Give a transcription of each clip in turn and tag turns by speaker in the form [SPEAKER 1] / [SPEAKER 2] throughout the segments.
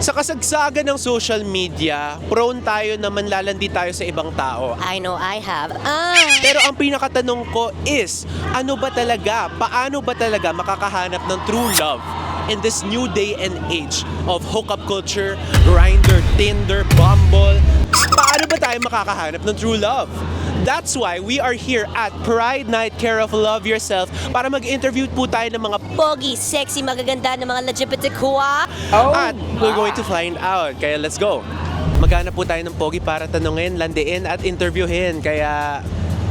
[SPEAKER 1] Sa kasagsagan ng social media, prone tayo na manlalandi tayo sa ibang tao.
[SPEAKER 2] I know I have.
[SPEAKER 1] Pero ang pinakatanong ko is, paano ba talaga makakahanap ng true love in this new day and age of hookup culture, Grindr, Tinder, Bumble? Paano ba tayo makakahanap ng true love? That's why we are here at Pride Night Care of Love Yourself para mag-interview po tayo ng mga
[SPEAKER 2] Pogi, sexy, magaganda ng mga LGBTQA.
[SPEAKER 1] at we're going to find out. Kaya let's go. Maghanap po tayo ng pogi para tanungin, landiin at interviewin. Kaya,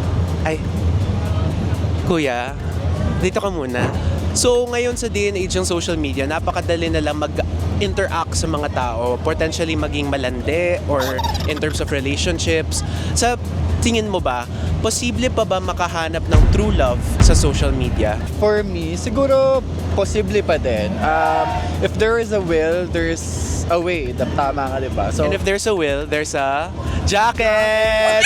[SPEAKER 1] kuya, dito ka muna. So ngayon sa day and age ng social media, napakadali na lang mag-interact sa mga tao, potentially maging malandi or in terms of relationships. Sa tingin mo ba, posible pa ba makahanap ng true love sa social media?
[SPEAKER 3] For me, siguro posible pa din. If there is a will, there's a way. Tama nga, di ba? So,
[SPEAKER 1] And if there's a will, there's a jacket!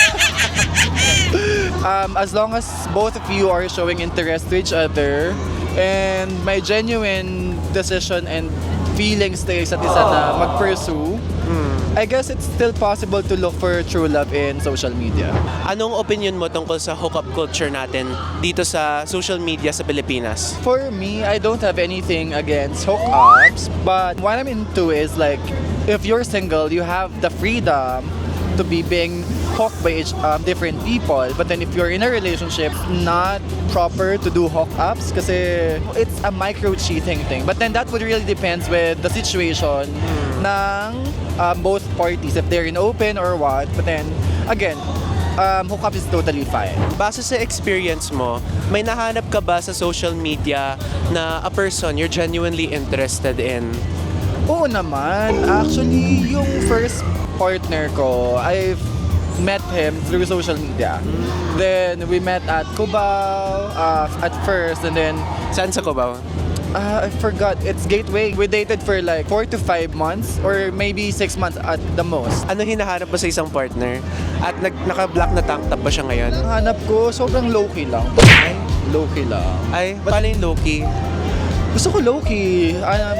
[SPEAKER 3] as long as both of you are showing interest to each other and may genuine decision and feelings na isa't isa na mag-pursue, I guess it's still possible to look for true love in social media.
[SPEAKER 1] Anong opinion mo tungkol sa hookup culture natin dito sa social media sa Pilipinas?
[SPEAKER 3] For me, I don't have anything against hookups, but what I'm into is like, if you're single, you have the freedom to be being hooked by different people. But then if you're in a relationship, not proper to do hookups kasi it's a micro-cheating thing. But then that would really depends with the situation ng both parties, if they're in open or what. But then, again, hookup is totally fine.
[SPEAKER 1] Base sa experience mo, may nahanap ka ba sa social media na a person you're genuinely interested in?
[SPEAKER 3] Oo naman. Actually, yung first partner ko, I've met him through social media. Then, we met at Cubao at first, and then,
[SPEAKER 1] Saan sa Cubao?
[SPEAKER 3] I forgot, it's Gateway. We dated for like 4 to 5 months or maybe 6 months at the most.
[SPEAKER 1] Ano hinahanap mo sa isang partner? At naka-black na tank top ba siya ngayon?
[SPEAKER 3] Ang hanap ko, sobrang low-key lang. Low-key lang.
[SPEAKER 1] Ay, paano yung Loki?
[SPEAKER 3] Gusto ko low-key.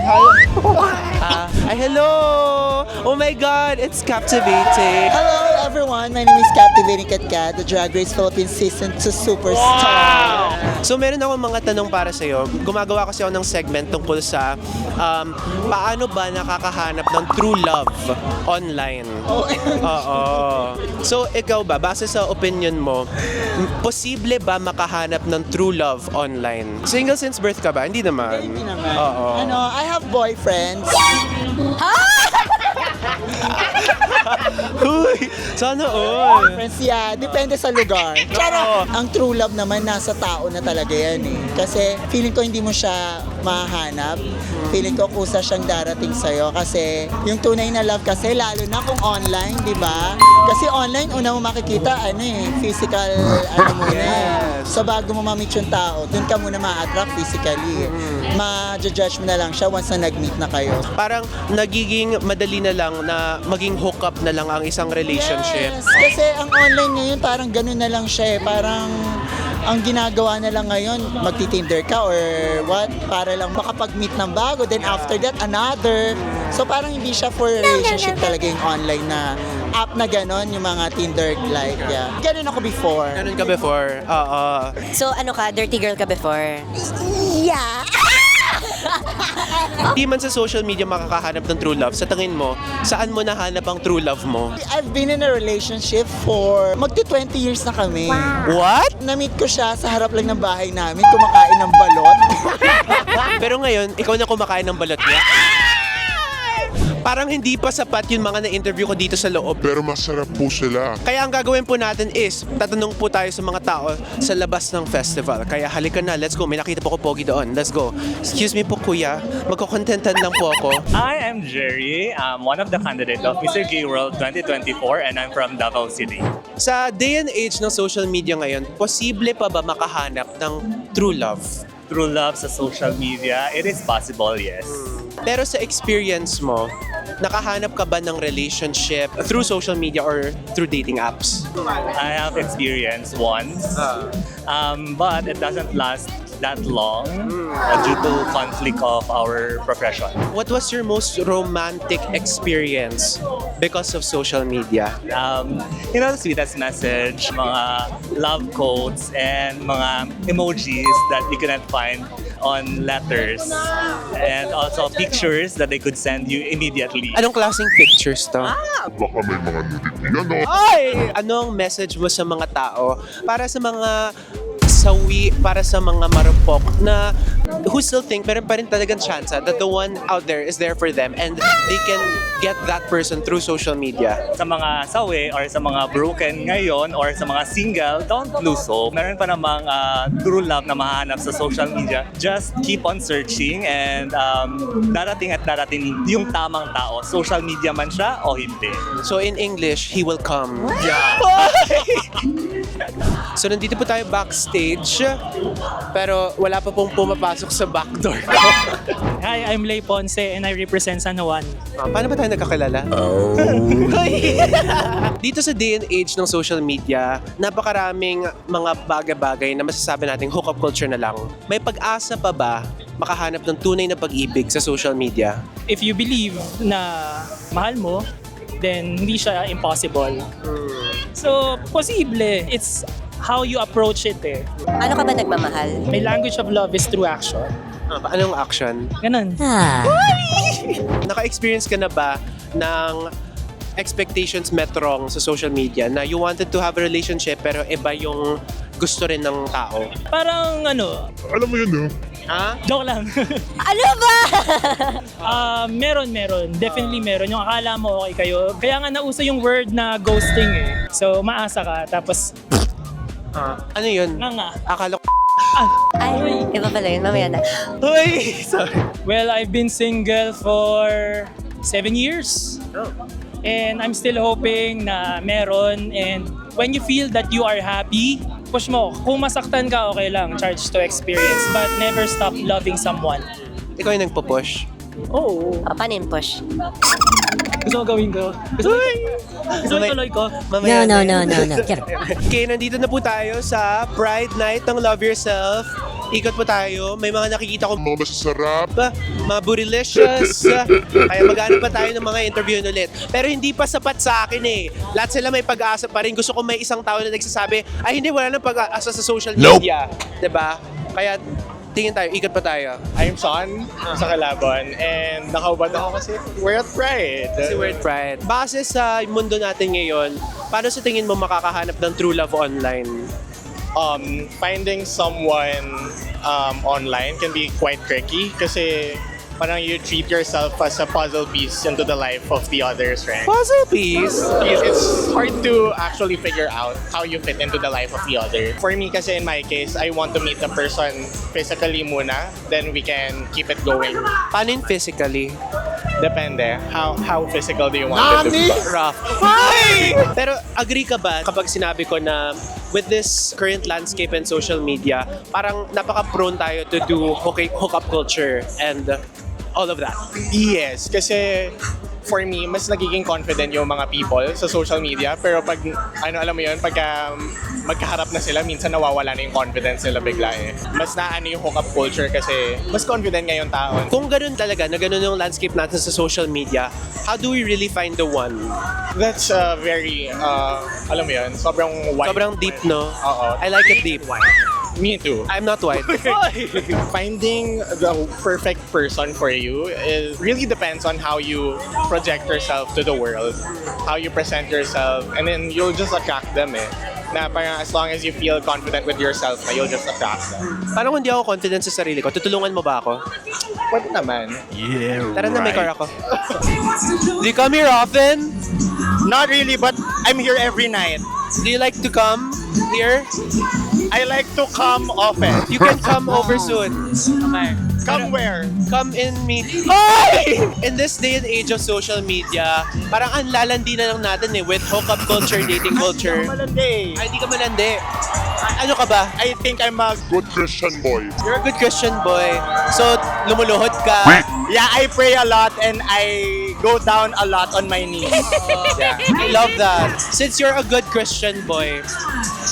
[SPEAKER 1] Hello! Oh my God, it's captivating!
[SPEAKER 4] Hello everyone, my name is Captivating Kat Kat, the Drag Race Philippines Season 2 Superstar.
[SPEAKER 1] So meron akong mga tanong para sa'yo. Gumagawa kasi ako ng segment tungkol sa paano ba nakakahanap ng true love online. Oo. So ikaw ba, base sa opinion mo, posible ba makahanap ng true love online? Single since birth ka ba? Hindi naman.
[SPEAKER 4] Hindi naman.
[SPEAKER 1] Oo.
[SPEAKER 4] I have boyfriends.
[SPEAKER 1] Uy, sana all.
[SPEAKER 4] Friends, yeah, depende sa lugar. Charot! Ang true love naman nasa tao na talaga yan eh. Kasi feeling ko hindi mo siya mahanap. Feeling ko kusa siyang darating sa'yo. Kasi yung tunay na love kasi, lalo na kung online, di ba? Kasi online, una mo makikita, physical, muna eh. So bago mo ma-meet yung tao, dun ka muna ma-attract physically. Ma-judge mo na lang siya once na nag-meet na kayo.
[SPEAKER 1] Parang nagiging madali na lang na maging hookup na lang ang isang relationship.
[SPEAKER 4] Yes, kasi ang online ngayon parang ganun na lang siya eh. Parang ang ginagawa na lang ngayon, magti-Tinder ka or what, para lang makapag-meet ng bago, then after that, another. So parang hindi siya for relationship talaga yung online na app na ganon, yung mga Tinder-like. Yeah. Ganun ako before.
[SPEAKER 1] Ganun ka before? Oo.
[SPEAKER 2] So ano ka, dirty girl ka before?
[SPEAKER 4] Yeah.
[SPEAKER 1] Di man sa social media makakahanap ng true love. Sa tingin mo, saan mo nahanap ang true love mo?
[SPEAKER 4] I've been in a relationship for magti-20 years na kami.
[SPEAKER 1] What?
[SPEAKER 4] Na-meet ko siya sa harap lang ng bahay namin, kumakain ng balot.
[SPEAKER 1] Pero ngayon, ikaw na kumakain ng balot niya? Parang hindi pa sapat yung mga na-interview ko dito sa loob.
[SPEAKER 5] Pero masarap po sila.
[SPEAKER 1] Kaya ang gagawin po natin is, tatanong po tayo sa mga tao sa labas ng festival. Kaya halika na, let's go. May nakita po ko pogi doon. Let's go. Excuse me po kuya, magkukontentan lang po ako.
[SPEAKER 6] I am Jerry. I'm one of the candidates of Mr. Gay World 2024 and I'm from Davao City.
[SPEAKER 1] Sa day and age ng social media ngayon, posible pa ba makahanap ng true love?
[SPEAKER 6] True love sa social media, it is possible, yes.
[SPEAKER 1] Pero sa experience mo, nakahanap ka ba ng relationship through social media or through dating apps?
[SPEAKER 6] I have experienced once, but it doesn't last that long due to conflict of our profession.
[SPEAKER 1] What was your most romantic experience because of social media?
[SPEAKER 6] The sweetest message, mga love quotes, and mga emojis that you cannot find on letters. And also pictures that they could send you immediately.
[SPEAKER 1] Anong klaseng pictures to?
[SPEAKER 5] Baka may mga nudity yan, no?
[SPEAKER 1] Ay! Anong message mo sa mga tao para sa mga sawi, para sa mga marupok na who still think meron pa rin talagang chance that the one out there is there for them and they can get that person through social media?
[SPEAKER 6] Sa mga sawi or sa mga broken ngayon or sa mga single, don't lose hope. Meron pa namang true love na mahanap sa social media. Just keep on searching and darating at darating yung tamang tao. Social media man siya o hindi.
[SPEAKER 1] So in English, he will come.
[SPEAKER 6] Yeah.
[SPEAKER 1] So nandito po tayo backstage, pero wala pa pong pumapasok sa back door.
[SPEAKER 7] Hi, I'm Lay Ponce and I represent San Juan.
[SPEAKER 1] Paano ba tayo nagkakilala? Dito sa day and age ng social media, napakaraming mga bagay-bagay na masasabi nating hookup culture na lang. May pag-asa pa ba makahanap ng tunay na pag-ibig sa social media?
[SPEAKER 7] If you believe na mahal mo, then hindi siya impossible. So, posible. It's how you approach it eh.
[SPEAKER 2] Ano ka ba nagmamahal?
[SPEAKER 7] My language of love is through action.
[SPEAKER 1] Anong action?
[SPEAKER 7] Ganun.
[SPEAKER 1] Naka-experience ka na ba ng expectations met wrong sa social media na you wanted to have a relationship pero iba yung gusto rin ng tao?
[SPEAKER 7] Parang
[SPEAKER 5] Alam mo yun, no?
[SPEAKER 1] Ha?
[SPEAKER 7] joke lang.
[SPEAKER 2] Ano ba?
[SPEAKER 7] Meron. Definitely meron. Yung akala mo okay kayo. Kaya nga nauso yung word na ghosting eh. So, maasa ka. Tapos,
[SPEAKER 1] Ano yun?
[SPEAKER 7] nga.
[SPEAKER 1] Akala ko...
[SPEAKER 2] Ay, iba pala yun. Mamaya na.
[SPEAKER 1] Uy! Sorry.
[SPEAKER 7] Well, I've been single for 7 years. And I'm still hoping na meron. And when you feel that you are happy, push mo. Kung masaktan ka, okay lang. Charge to experience. But never stop loving someone.
[SPEAKER 1] Ikaw yung nagpo-push.
[SPEAKER 7] Oo.
[SPEAKER 2] Paano yung push?
[SPEAKER 7] Gusto mo gawin ko? Gusto mo tuloy ko?
[SPEAKER 1] Mamaya
[SPEAKER 2] No.
[SPEAKER 1] Get it. Okay, nandito na po tayo sa Pride Night ng Love Yourself. Ikot po tayo. May mga nakikita ko
[SPEAKER 5] Mga masasarap.
[SPEAKER 1] mga bootylicious. Kaya mag-ano pa tayo ng mga interview ulit. Pero hindi pa sapat sa akin eh. Lahat sila may pag-asa pa rin. Gusto ko may isang tao na nagsasabi, ay hindi, wala nang pag-asa sa social media. Diba? Kaya tingin tayo, ikot pa tayo.
[SPEAKER 8] I'm Sean sa Kalaban and nakaubad ako kasi we're at Pride.
[SPEAKER 1] Si Word Pride. Base sa mundo natin ngayon, paano sa tingin mo makakahanap ng true love online?
[SPEAKER 8] Finding someone online can be quite tricky kasi parang you treat yourself as a puzzle piece into the life of the others, right?
[SPEAKER 1] Puzzle piece!
[SPEAKER 8] It's hard to actually figure out how you fit into the life of the other. For me kasi in my case, I want to meet the person physically muna, then we can keep it going.
[SPEAKER 1] Paano yung physically?
[SPEAKER 8] Depende. How physical do you want it to be?
[SPEAKER 1] Rough. Pero agree ka ba kapag sinabi ko na with this current landscape and social media, parang napaka-prone tayo to do hookup culture and all of that?
[SPEAKER 8] Yes, kasi for me, mas nagiging confident yung mga people sa social media. Pero pag, alam mo yun, pagka magkaharap na sila, minsan nawawala na yung confidence nila bigla eh. Mas naano yung hookup culture kasi mas confident ngayon tao.
[SPEAKER 1] Kung ganun talaga, na ganun yung landscape natin sa social media, how do we really find the one?
[SPEAKER 8] That's very, alam mo yun, sobrang wide.
[SPEAKER 1] Sobrang deep, no?
[SPEAKER 8] Oo.
[SPEAKER 1] I like it deep.
[SPEAKER 8] Me too.
[SPEAKER 1] I'm not white.
[SPEAKER 8] Finding the perfect person for you really depends on how you project yourself to the world, how you present yourself, and then you'll just attract them eh. Na parang as long as you feel confident with yourself, na you'll just attract them.
[SPEAKER 1] Paano kung di ako confident sa sarili ko? Tutulungan mo ba ako?
[SPEAKER 8] Pwede naman.
[SPEAKER 1] Tara na, may car ako. Do you come here often?
[SPEAKER 8] Not really, but I'm here every night.
[SPEAKER 1] Do you like to come here?
[SPEAKER 8] I like to come often.
[SPEAKER 1] You can come over soon.
[SPEAKER 8] Come where?
[SPEAKER 1] Come in me. Ay! In this day and age of social media, parang ang lalandi na lang natin eh with hookup culture, dating culture.
[SPEAKER 8] Malandi.
[SPEAKER 1] Ay, di ka malandi. Ano ka ba?
[SPEAKER 8] I think I'm a...
[SPEAKER 5] Good Christian boy.
[SPEAKER 1] You're a good Christian boy. So, lumuluhod ka.
[SPEAKER 8] Yeah, I pray a lot and I go down a lot on my knees.
[SPEAKER 1] Yeah. I love that. Since you're a good Christian boy,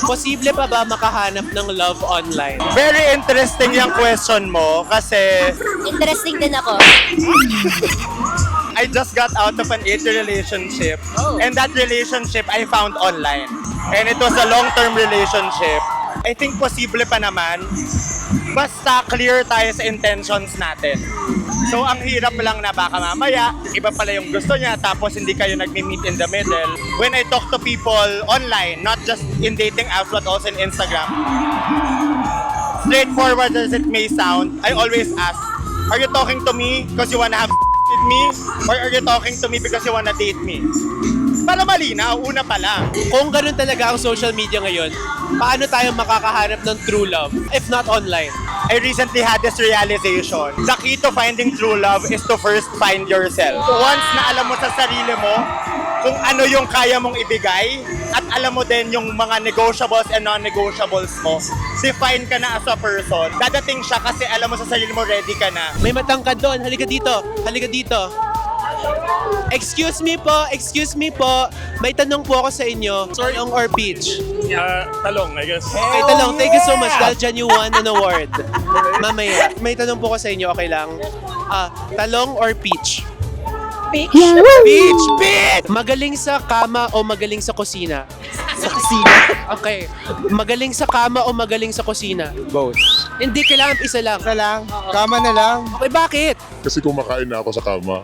[SPEAKER 1] Posible pa ba makahanap ng love online?
[SPEAKER 9] Very interesting yung question mo kasi
[SPEAKER 2] Interesting din ako.
[SPEAKER 9] I just got out of an 8-year relationship and that relationship I found online. And it was a long-term relationship. I think posible pa naman basta clear tayo sa intentions natin. So ang hirap lang na baka mamaya, iba pala yung gusto niya tapos hindi kayo nagmi-meet in the middle. When I talk to people online, not just in dating apps but also in Instagram, straightforward as it may sound, I always ask, are you talking to me because you wanna have with me? Or are you talking to me because you wanna date me? Para malinaw, una pa lang.
[SPEAKER 1] Kung ganun talaga ang social media ngayon, paano tayo makakahanap ng true love if not online?
[SPEAKER 9] I recently had this realization. The key to finding true love is to first find yourself. Once na alam mo sa sarili mo kung ano yung kaya mong ibigay at alam mo din yung mga negotiables and non-negotiables mo, define ka na as a person. Dadating siya kasi alam mo sa sarili mo ready ka na.
[SPEAKER 1] May matangkad doon. Halika dito. Halika dito. Excuse me po. May tanong po ako sa inyo. Talong or peach?
[SPEAKER 6] Talong, I guess.
[SPEAKER 1] Okay, talong. Thank you so much. Dahil dyan you won an award. Mamaya. May tanong po ako sa inyo. Okay lang. Talong or peach?
[SPEAKER 2] Peach.
[SPEAKER 1] Peach! Peach! Magaling sa kama o magaling sa kusina?
[SPEAKER 4] Sa kusina.
[SPEAKER 1] Okay. Magaling sa kama o magaling sa kusina?
[SPEAKER 8] Both.
[SPEAKER 1] Hindi, kailangan isa lang.
[SPEAKER 8] Isa lang. Kama na lang.
[SPEAKER 1] Okay, bakit?
[SPEAKER 5] Kasi kumakain na ako sa kama.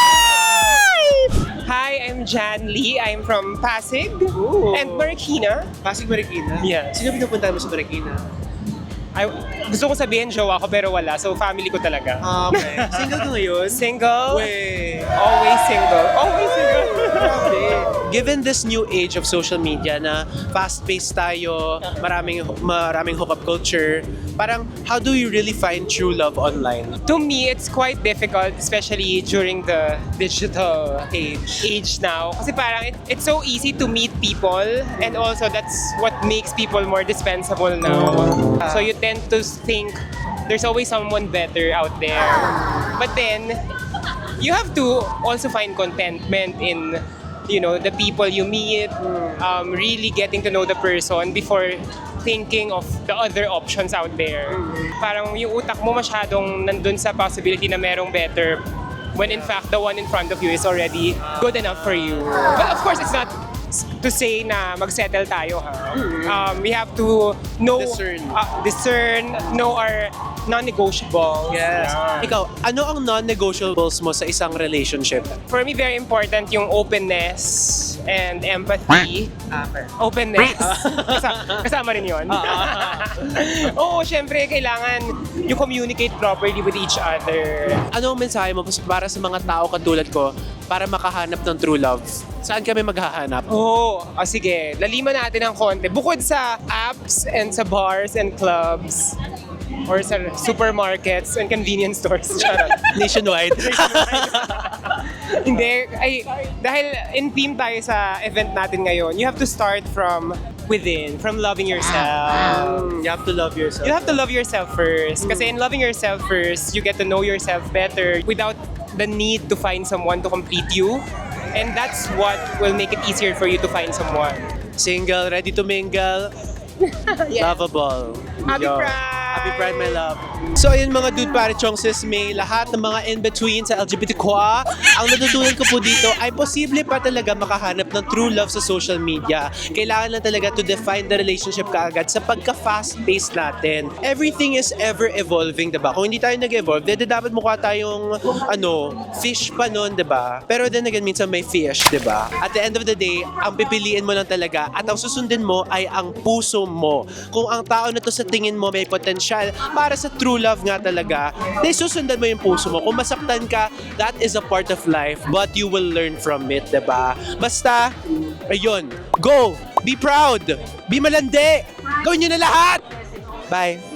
[SPEAKER 10] Hi, I'm Jan Lee. I'm from Pasig and Marikina.
[SPEAKER 1] Pasig Marikina?
[SPEAKER 10] Yes.
[SPEAKER 1] Sino pinupunta mo sa Marikina?
[SPEAKER 10] Gusto ko sabihin jowa ko pero wala. So family ko talaga.
[SPEAKER 1] Okay. Single ka ngayon?
[SPEAKER 10] Single.
[SPEAKER 1] Wait.
[SPEAKER 10] Always single. Always single.
[SPEAKER 1] Given this new age of social media na fast-paced tayo, maraming hookup culture, parang how do you really find true love online?
[SPEAKER 10] To me, it's quite difficult, especially during the digital age now. Kasi parang it's so easy to meet people and also that's what makes people more dispensable now. So you tend to think there's always someone better out there. But then, you have to also find contentment in the people you meet, really getting to know the person before thinking of the other options out there. Parang yung utak mo masyadong nandun sa possibility na merong better when in fact the one in front of you is already good enough for you. But of course, it's not to say na mag-settle tayo, ha? We have to know, discern, know our non-negotiables.
[SPEAKER 1] Yes. Ikaw, ano ang non-negotiables mo sa isang relationship?
[SPEAKER 10] For me, very important yung openness and empathy. Openness. Kasama rin yun. Oo, syempre, kailangan you communicate properly with each other.
[SPEAKER 1] Ano ang mensahe mo para sa mga tao katulad ko para makahanap ng true love? Saan kami maghahanap?
[SPEAKER 10] Sige. Laliman natin ng konti. Bukod sa apps and sa bars and clubs, or sa supermarkets and convenience stores. Charot.
[SPEAKER 1] Nationwide.
[SPEAKER 10] Hindi. Dahil in theme tayo sa event natin ngayon, you have to start from within, from loving yourself.
[SPEAKER 1] You have to love yourself.
[SPEAKER 10] You have to love yourself first. Kasi in loving yourself first, you get to know yourself better without the need to find someone to complete you. And that's what will make it easier for you to find someone.
[SPEAKER 1] Single, ready to mingle, lovable.
[SPEAKER 10] Happy
[SPEAKER 1] Yo.
[SPEAKER 10] Pride!
[SPEAKER 1] Happy Pride, my love. So ayun mga dude pare chong sis may lahat ng mga in-between sa LGBT qua. Ang natutunan ko po dito ay posible pa talaga makahanap ng true love sa social media. Kailangan lang talaga to define the relationship kaagad sa pagka-fast-paced natin. Everything is ever-evolving, diba? Kung hindi tayo nag-evolve, dapat mukha tayong fish pa nun, diba? Pero then again, minsan may fish, diba? At the end of the day, ang pipiliin mo lang talaga at ang susundin mo ay ang puso mo. Kung ang tao na to sa tingin mo may potensyal para sa true love nga talaga, then susundan mo yung puso mo. Kung masaktan ka, that is a part of life, but you will learn from it, diba? Basta, ayun, go! Be proud! Be malandi! Gawin nyo na lahat! Bye!